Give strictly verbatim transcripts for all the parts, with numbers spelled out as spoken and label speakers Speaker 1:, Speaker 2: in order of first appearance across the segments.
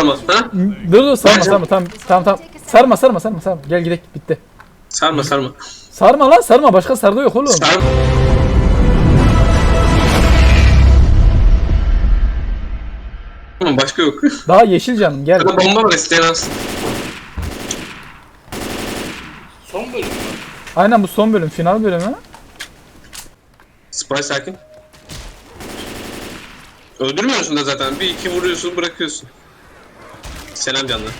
Speaker 1: ama? Ha?
Speaker 2: Dur dur sarma
Speaker 1: Bence-
Speaker 2: sarma tamam tamam tamam. Sarma sarma sarma sarma. Gel gidelim bitti.
Speaker 1: Sarma sarma.
Speaker 2: Sarma lan sarma başka sardı yok oğlum.
Speaker 1: Sarma. Tamam, başka yok.
Speaker 2: Daha yeşil canım gel.
Speaker 1: Burada bomba var, isteyen alsın.
Speaker 3: Son bölüm mü?
Speaker 2: Aynen bu son bölüm final bölümü.
Speaker 1: Spy sakin. Öldürmüyorsun da zaten. Bir iki vuruyorsun, bırakıyorsun. Selam canlar.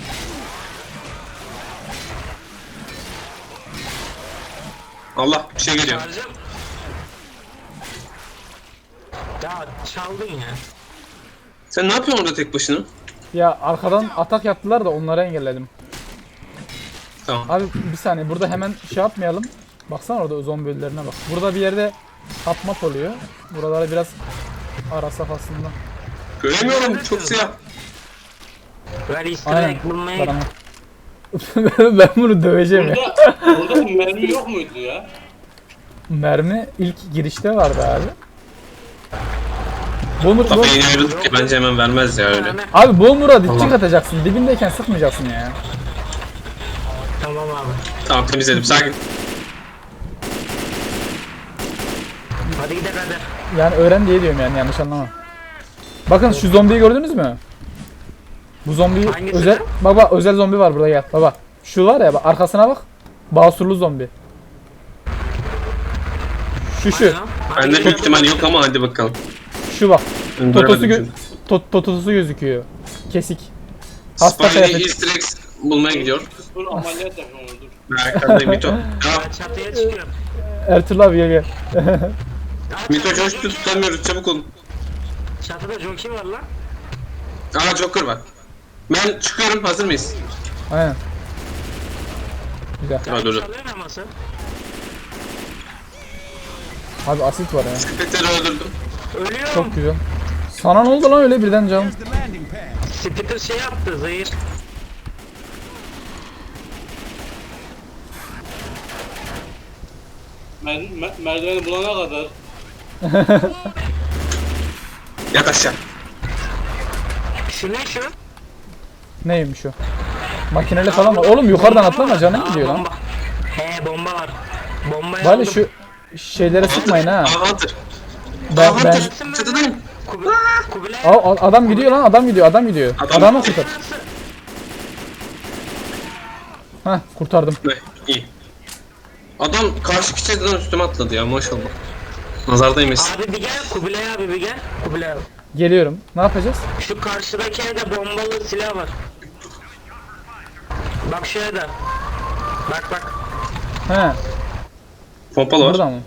Speaker 1: Allah, bir şey geliyor.
Speaker 3: Çağıracağım. Ya çaldın ya.
Speaker 1: Sen ne yapıyorsun orada tek başına?
Speaker 2: Ya arkadan atak yaptılar da onları engelledim.
Speaker 1: Tamam.
Speaker 2: Abi bir saniye burada hemen şey yapmayalım. Baksana orada zombi ölülerine bak. Burada bir yerde tapmat oluyor. Buraları biraz arasak aslında.
Speaker 1: Göremiyorum, çok siyah.
Speaker 3: Ver easter
Speaker 2: Aynen.
Speaker 3: egg bulmaya
Speaker 2: Bana. Ben bunu döveceğim ya.
Speaker 3: Burada, burada bir mermi yok muydu ya?
Speaker 2: Mermi ilk girişte vardı abi. Bomur,
Speaker 1: Tabii
Speaker 2: bom...
Speaker 1: yeni ayrıldık ki bence hemen vermez ya öyle.
Speaker 3: Mermi.
Speaker 2: Abi bombura dipçik
Speaker 1: Tamam.
Speaker 2: atacaksın. Dibindeyken sıkmayacaksın ya.
Speaker 3: Tamam abi.
Speaker 1: Tamam, temizledim, sakin.
Speaker 3: Hadi gidelim hadi.
Speaker 2: Yani öğren diye diyorum yani yanlış anlama. Bakın şu zombiyi gördünüz mü? Bu zombiyi
Speaker 3: Hangisi?
Speaker 2: özel baba özel zombi var burada gel baba. Şu var ya bak arkasına bak. Basurlu zombi. Şu şu.
Speaker 1: Bende büyük ihtimal yok ama hadi bakalım.
Speaker 2: Şu bak. Totosu
Speaker 1: Göremedim
Speaker 2: gö
Speaker 1: çünkü.
Speaker 2: tot totosu gözüküyor. Kesik. Hasta
Speaker 1: Spy'li
Speaker 2: kıyafet.
Speaker 1: easter eggs bulmaya gidiyor.
Speaker 3: Dur ameliyat yapalım dur.
Speaker 1: Arkadayım Mito. Ya,
Speaker 3: Ben çatıya çıkıyorum.
Speaker 2: Ertuğrul abi gel gel.
Speaker 3: Aa,
Speaker 1: Mito
Speaker 3: çatıda
Speaker 1: coştu,
Speaker 3: Joker-
Speaker 1: tutamıyoruz, çabuk olun.
Speaker 3: Çatıda Joker var lan.
Speaker 1: Aa, Joker var. Ben çıkıyorum, hazır mıyız?
Speaker 2: Aynen. Güzel.
Speaker 1: Ha, dur dur.
Speaker 3: Çalıyor naması.
Speaker 2: Abi asit var ya.
Speaker 1: Spectre'ı öldürdüm.
Speaker 3: Ölüyorum.
Speaker 2: Çok güzel. Sana ne oldu lan öyle birden canım?
Speaker 3: Spitter şey yaptı zehir. Mer mer merdiveni bulana kadar
Speaker 1: Yat aşağı.
Speaker 3: şu ne şu?
Speaker 2: Neymiş o? Makineli falan var. Oğlum yukarıdan
Speaker 3: Bomba
Speaker 2: atlama
Speaker 3: var.
Speaker 2: canım
Speaker 3: Aa,
Speaker 2: gidiyor lan.
Speaker 3: bomba. He bomba var. Bombayı
Speaker 2: Bari
Speaker 3: aldım.
Speaker 2: şu şeylere sıkmayın ha.
Speaker 1: Aa, Hunter.
Speaker 2: Ben,
Speaker 1: Aa,
Speaker 2: ben...
Speaker 1: Hunter. Çatıdayım.
Speaker 3: Kubi Kubilay.
Speaker 2: Aa, a- adam gidiyor lan adam gidiyor adam gidiyor.
Speaker 1: Adam-
Speaker 2: Adamı kurtar. Hah kurtardım.
Speaker 1: Ne? İyi. Adam karşı çatıdan üstüme atladı ya, maşallah. Nazar değmesin.
Speaker 3: Abi bir gel Kubilay abi bir gel. Kubilay abi.
Speaker 2: Geliyorum. Ne yapacağız?
Speaker 3: Şu karşıdaki evde bombalı silah var. Bak şu evde. Bak bak.
Speaker 2: He.
Speaker 1: Pompalı var.
Speaker 2: Burada mı?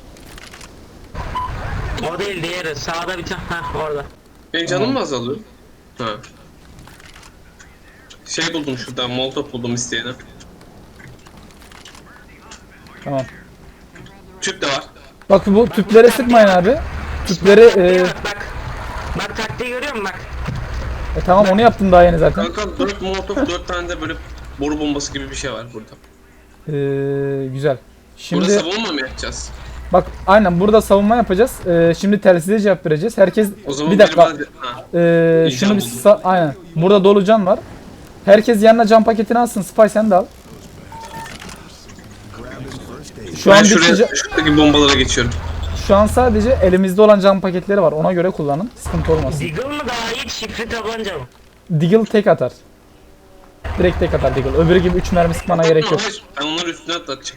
Speaker 3: O değil diğeri. Sağda bir tane. Heh orada.
Speaker 1: Benim canım mı azalıyor? Ha. Şey buldum şuradan, molotof buldum isteyene.
Speaker 2: Tamam.
Speaker 1: Tüp de var.
Speaker 2: Bak bu tüplere sıkmayın abi. Tüpleri e,
Speaker 3: Bak bak. Bak taktiği görüyor musun bak.
Speaker 2: e, tamam onu yaptım daha yeni zaten.
Speaker 1: Kanka dört molotof, dört tane de böyle boru bombası gibi bir şey var burada.
Speaker 2: E, güzel.
Speaker 1: Burada
Speaker 2: Şimdi
Speaker 1: savunma mı yapacağız?
Speaker 2: bak aynen burada savunma yapacağız. E, şimdi telsize cevap vereceğiz. Herkes
Speaker 1: O zaman
Speaker 2: bir dakika.
Speaker 1: biri bana- Ha.
Speaker 2: E,
Speaker 1: İyi,
Speaker 2: şunu
Speaker 1: can
Speaker 2: bir
Speaker 1: buldum.
Speaker 2: sa- aynen. Burada dolu can var. Herkes yanına can paketini alsın. Spy sen de al. Şu
Speaker 1: Ben
Speaker 2: an
Speaker 1: şuraya,
Speaker 2: bitecek.
Speaker 1: şuradaki bombalara geçiyorum.
Speaker 2: Şu an sadece elimizde olan can paketleri var. Ona göre kullanın. Sıkıntı olmasın.
Speaker 3: Deagle mı daha iyi çiftli tabanca mı?
Speaker 2: Deagle tek atar. Direkt tek atar Deagle. Öbürü gibi üç mermi sıkmana gerek yok.
Speaker 1: Hayır, ben onları üstüne atlatacağım.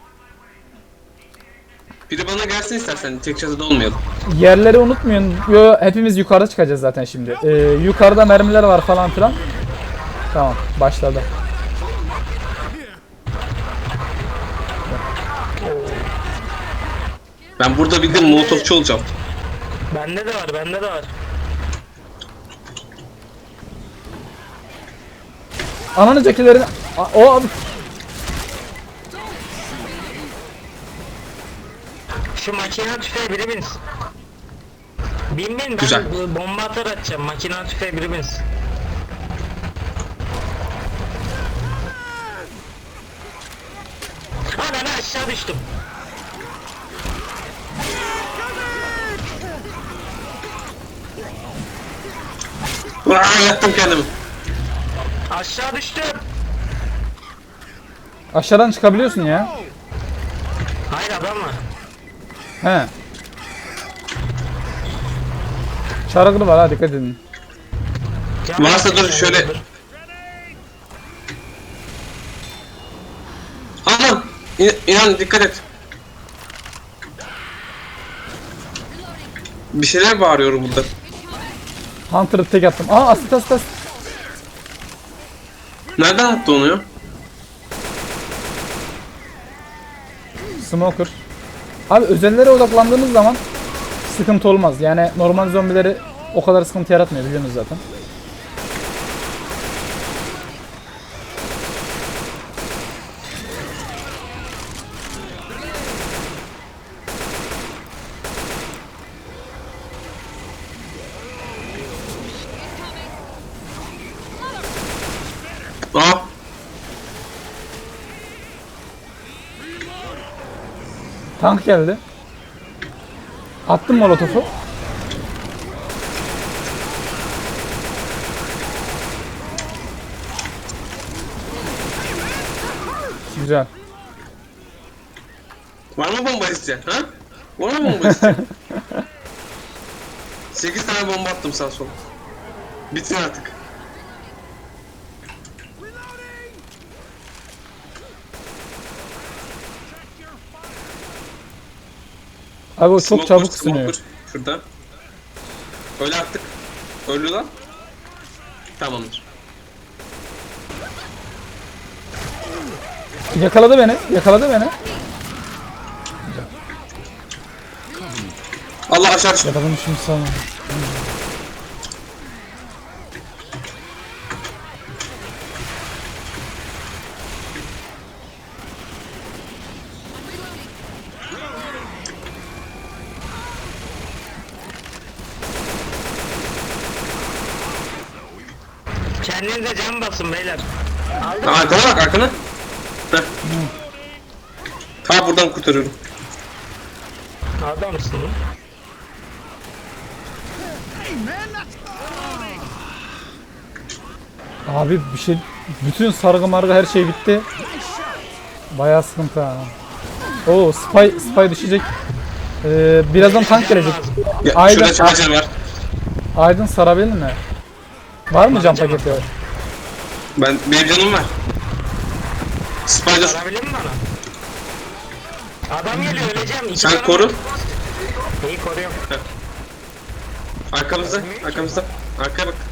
Speaker 1: Biri bana gelsin istersen, tek çatıda olmayalım.
Speaker 2: Yerleri unutmayın. Yo, hepimiz yukarıda çıkacağız zaten şimdi. Ee, yukarıda mermiler var falan filan. Tamam başladı.
Speaker 1: Ben burada bildiğin molotofçu olacağım.
Speaker 3: Bende de var bende de var.
Speaker 2: Ananı cekilerini... A- O abi...
Speaker 3: Şu makine tüfeği biri binsin. Bin bin ben
Speaker 1: Güzel.
Speaker 3: bu bomba atar atacağım. Makine tüfeği biri binsin. Ha ben aşağı düştüm.
Speaker 1: Aa, yaktım kendimi.
Speaker 3: Aşağı düştüm.
Speaker 2: Aşağıdan çıkabiliyorsun ya.
Speaker 3: Hayır adam var.
Speaker 2: He. Çarıklı var ha, dikkat edin.
Speaker 3: Can
Speaker 1: Varsa dur
Speaker 3: basıyor,
Speaker 1: şöyle.
Speaker 3: dur.
Speaker 1: Aman! İn- İnan dikkat et. Bir şeyler bağırıyorum burada.
Speaker 2: Hunter'ı tek attım. Aa, asit asit asit.
Speaker 1: Nereden attı onu ya?
Speaker 2: Smoker. Abi özellere odaklandığınız zaman sıkıntı olmaz. Yani normal zombileri o kadar sıkıntı yaratmıyor, biliyorsunuz zaten.
Speaker 1: Aa!
Speaker 2: Tank geldi. Attım molotofu. Güzel.
Speaker 1: Var mı bomba isteyen ha? Var mı bomba isteyen? sekiz tane bomba attım sağ sol. Bitin artık.
Speaker 2: Abi o çok
Speaker 1: Smoker,
Speaker 2: çabuk ısınıyor.
Speaker 1: smoker. Şurada. Öyle attık. Öldü lan. Tamamdır.
Speaker 2: Yakaladı beni. Yakaladı beni.
Speaker 1: Allah aşağı düştü.
Speaker 2: Yakaladım şimdi sana.
Speaker 3: Kendinize can basın beyler. Aldım.
Speaker 1: Aa, arkana bak arkana. Heh. Ta buradan kurtarıyorum.
Speaker 3: Adamsın.
Speaker 2: Abi bir şey, bütün sargı margı her şey bitti. Bayağı sıkıntı ha. Oo, spy spy düşecek. Ee, birazdan tank gelecek.
Speaker 1: Ya,
Speaker 2: Aydın,
Speaker 1: şurada charger var.
Speaker 2: Aydın sarabilir mi? Var mı cam paketi?
Speaker 1: Ben, benim canım var. Spider.
Speaker 3: Sarabilir mi bana? Adam geliyor, öleceğim. İki
Speaker 1: Sen
Speaker 3: canım
Speaker 1: koru.
Speaker 3: var. İyi koruyorum.
Speaker 1: Arkamızda. Arkamızda. Arkaya bak.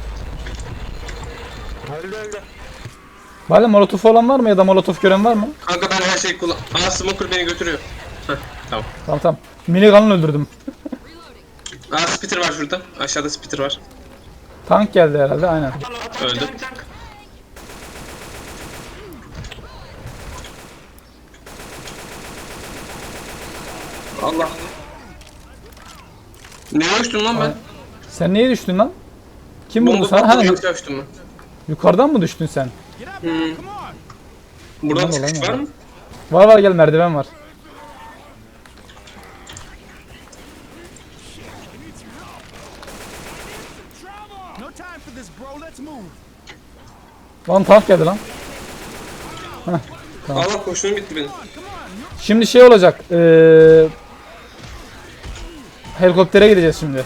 Speaker 3: Öldü öldü.
Speaker 2: Valla molotof olan var mı ya da molotof gören var mı?
Speaker 1: Kanka ben her şeyi kullan... Aa, smoker beni götürüyor. Heh, tamam.
Speaker 2: Tamam tamam. Minigun'la öldürdüm.
Speaker 1: Aa, spitter var şurada. Aşağıda spitter var.
Speaker 2: Tank geldi herhalde, aynen.
Speaker 3: Lan, tank,
Speaker 1: Öldü.
Speaker 3: tank, tank.
Speaker 1: Allah. Ne uçtum lan ben?
Speaker 2: Sen neye düştün lan? Kim vurdu
Speaker 1: Bomba
Speaker 2: sana? Ha,
Speaker 1: patladı,
Speaker 2: yu-
Speaker 1: yanlış uçtum ben.
Speaker 2: yukarıdan mı düştün sen?
Speaker 1: Hmm. Buradan
Speaker 2: Ulan,
Speaker 1: çıkış
Speaker 2: ulan,
Speaker 1: var
Speaker 2: ulan.
Speaker 1: mı?
Speaker 2: Var var, gel, merdiven var.
Speaker 4: No time for this, bro. Let's move.
Speaker 2: Lan tank geldi lan.
Speaker 1: Allah koştuğum bitti benim.
Speaker 2: Şimdi şey olacak. Ee, helikoptere gideceğiz şimdi.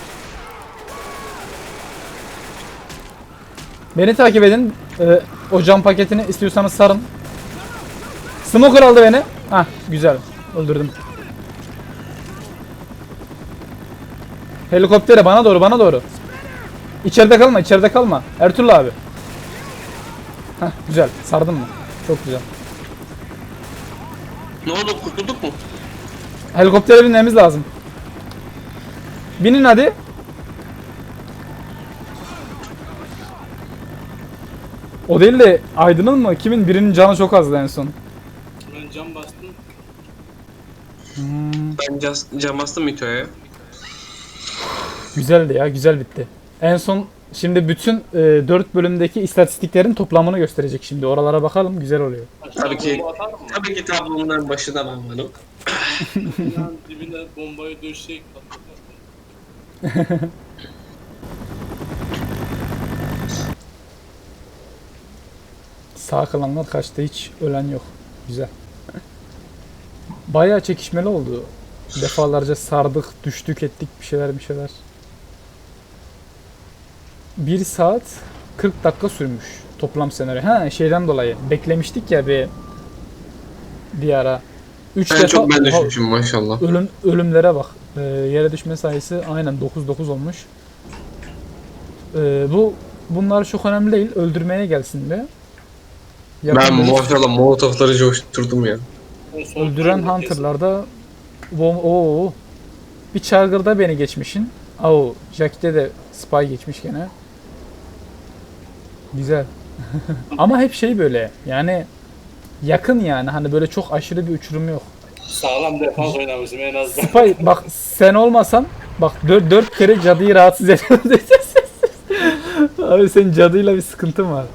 Speaker 2: Beni takip edin. Ee, o cam paketini istiyorsanız sarın. Smoker aldı beni. Hah, güzel. Öldürdüm. Helikoptere bana doğru, bana doğru. İçeride kalma, içeride kalma. Ertuğrul abi. Hah, güzel. Sardın mı? Çok güzel.
Speaker 1: Ne oldu, kurtulduk mu?
Speaker 2: Helikoptere binmemiz lazım. Binin hadi. O değil de Aydın'ın mı? Kimin? Birinin canı çok azdı en son.
Speaker 5: Ben cam bastım.
Speaker 1: Ben cam, cam bastım Mito'ya.
Speaker 2: Güzeldi ya, güzel bitti. En son şimdi bütün e, dört bölümdeki istatistiklerin toplamını gösterecek şimdi. Oralara bakalım, güzel oluyor.
Speaker 1: Tabii ki.
Speaker 5: Bomba atar mı?
Speaker 1: Tabii ki tablonun en başında ben varım.
Speaker 5: Binanın dibine bombayı döşeyip patlatır.
Speaker 2: Sağ kalanlar kaçtı, hiç ölen yok. Güzel. Bayağı çekişmeli oldu. Defalarca sardık, düştük, ettik bir şeyler bir şeyler. bir saat kırk dakika sürmüş toplam senaryo. Ha şeyden dolayı beklemiştik ya bir bir ara. üç
Speaker 1: En
Speaker 2: defa
Speaker 1: çok ben
Speaker 2: Oha,
Speaker 1: düşmüşüm maşallah.
Speaker 2: ölüm ölümlere bak. Ee, yere düşme sayısı aynen dokuz dokuz olmuş. Ee, bu bunlar çok önemli değil. Öldürmeye gelsin de. Yakın
Speaker 1: Ben
Speaker 2: dövüş-
Speaker 1: maşallah molotofları coşturdum ya.
Speaker 5: O son
Speaker 2: öldüren
Speaker 5: bölümde
Speaker 2: Hunter'larda bom oo bir Charger'da beni geçmişin. Oo, Jack'te de Spy geçmiş gene. Güzel. Ama hep şey böyle yani yakın yani hani böyle çok aşırı bir uçurum yok.
Speaker 5: kesin sağlam defans oynamışım en azından.
Speaker 2: Spy bak sen olmasan bak dört, dört kere cadıyı rahatsız ediyorsun. Abi senin cadıyla bir sıkıntın var.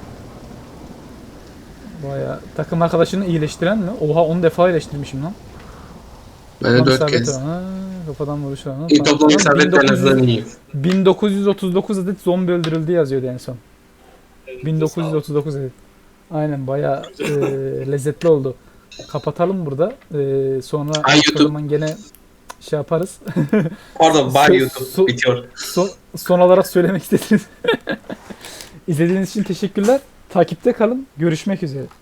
Speaker 2: Baya takım arkadaşını iyileştiren mi? Oha on defa iyileştirmişim lan.
Speaker 1: Ben de
Speaker 2: Tam
Speaker 1: dört
Speaker 2: isabet
Speaker 1: kez.
Speaker 2: var. Ha, kafadan vuruş var. Ha,
Speaker 1: İyi
Speaker 2: tamam.
Speaker 1: toplam
Speaker 2: Tamam,
Speaker 1: isabet en
Speaker 2: 1900
Speaker 1: azından iyi.
Speaker 2: bin dokuz yüz otuz dokuz adet zombi öldürüldü yazıyordu en son.
Speaker 5: Elinize
Speaker 2: bin dokuz yüz otuz dokuz adet. Aynen bayağı e, lezzetli oldu. Kapatalım burada. E, sonra
Speaker 1: Ay,
Speaker 2: o
Speaker 1: YouTube.
Speaker 2: zaman gene şey yaparız.
Speaker 1: Pardon, bye
Speaker 2: Su-
Speaker 1: YouTube
Speaker 2: su-
Speaker 1: bitiyor.
Speaker 2: son, son olarak söylemek istediğiniz. İzlediğiniz için teşekkürler. Takipte kalın. Görüşmek üzere.